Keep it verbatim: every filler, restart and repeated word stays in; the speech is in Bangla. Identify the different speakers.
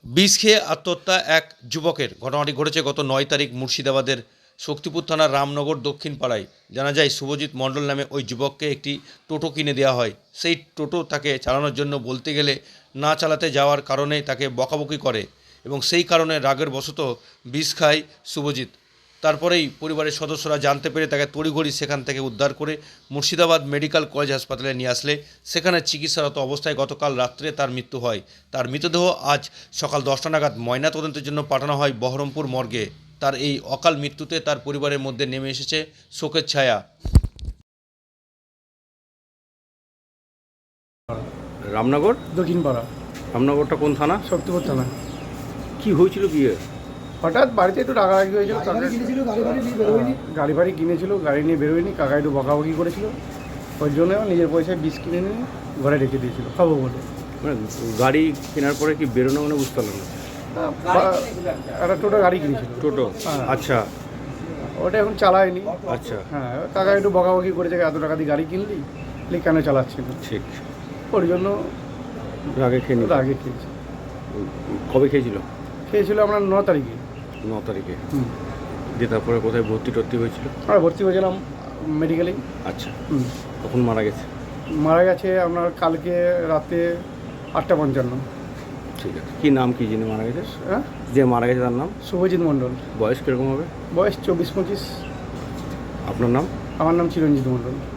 Speaker 1: বিষ খেয়ে আত্মহত্যা এক যুবকের। ঘটনাটি ঘটেছে গত নয় তারিখ মুর্শিদাবাদের শক্তিপুর থানার রামনগর দক্ষিণ পাড়ায়। জানা যায় শুভজিৎ মণ্ডল নামে ওই যুবককে একটি টোটো কিনে দেওয়া হয়। সেই টোটো তাকে চালানোর জন্য বলতে গেলে না চালাতে যাওয়ার কারণে তাকে বকাবকি করে এবং সেই কারণে রাগের বশত বিষ খায় শুভজিৎ। তারপরেই পরিবারের সদস্যরা জানতে পেরে তাকে তড়িঘড়ি সেখান থেকে উদ্ধার করে মুর্শিদাবাদ মেডিকেল কলেজ হাসপাতালে নিয়ে আসলে সেখানে চিকিৎসারত অবস্থায় গতকাল রাত্রে তার মৃত্যু হয়। তার মৃতদেহ আজ সকাল দশটা নাগাদ ময়নাতদন্তের জন্য পাঠানো হয় বহরমপুর মর্গে। তার এই অকাল মৃত্যুতে তার পরিবারের মধ্যে নেমে এসেছে শোকের ছায়া।
Speaker 2: রামনগর
Speaker 3: দক্ষিণ পাড়া,
Speaker 2: রামনগরটা কোন থানা?
Speaker 3: শক্তিপুর থানা।
Speaker 2: কি হয়েছিল বিয়ে?
Speaker 3: হঠাৎ বাড়িতে একটু রাগারাগি হয়েছিল, গাড়ি ফাড়ি কিনেছিল, গাড়ি নিয়ে বেরোয়নি, কাকা একটু বকাবকি করেছিল, ওই জন্য নিজের পয়সায় বিষ কিনে নিয়ে ঘরে রেখে দিয়েছিল খাবো বলে।
Speaker 2: মানে গাড়ি কেনার পরে কি বেরোনো মানে বুঝতে পারলাম না।
Speaker 3: একটা টোটো গাড়ি কিনেছিল।
Speaker 2: টোটো?
Speaker 3: হ্যাঁ।
Speaker 2: আচ্ছা
Speaker 3: ওটা এখন চালায়নি।
Speaker 2: আচ্ছা
Speaker 3: হ্যাঁ, কাকা একটু বকাবকি করেছে, এত টাকা দিয়ে গাড়ি কিনলি, লি কেন চালাচ্ছিল,
Speaker 2: ঠিক।
Speaker 3: ওর জন্য
Speaker 2: আগে খেয়ে নিল।
Speaker 3: আগে খেয়েছি।
Speaker 2: কবে খেয়েছিল?
Speaker 3: খেয়েছিল আমরা ন তারিখে।
Speaker 2: ন তারিখে।
Speaker 3: হুম,
Speaker 2: দিয়ে তারপরে কোথায় ভর্তি টর্তি হয়েছিল?
Speaker 3: আমরা ভর্তি হয়েছিলাম মেডিকেলেই।
Speaker 2: আচ্ছা,
Speaker 3: হুম,
Speaker 2: কখন মারা গেছে?
Speaker 3: মারা গেছে আপনার কালকে রাতে আটটা পঞ্চান্ন।
Speaker 2: ঠিক আছে, কি নাম কি যিনি মারা গেছে?
Speaker 3: হ্যাঁ,
Speaker 2: যে মারা গেছে তার নাম?
Speaker 3: শুভজিৎ মণ্ডল।
Speaker 2: বয়স কিরকম হবে?
Speaker 3: বয়স চব্বিশ পঁচিশ।
Speaker 2: আপনার নাম?
Speaker 3: আমার নাম চিরঞ্জিত মণ্ডল।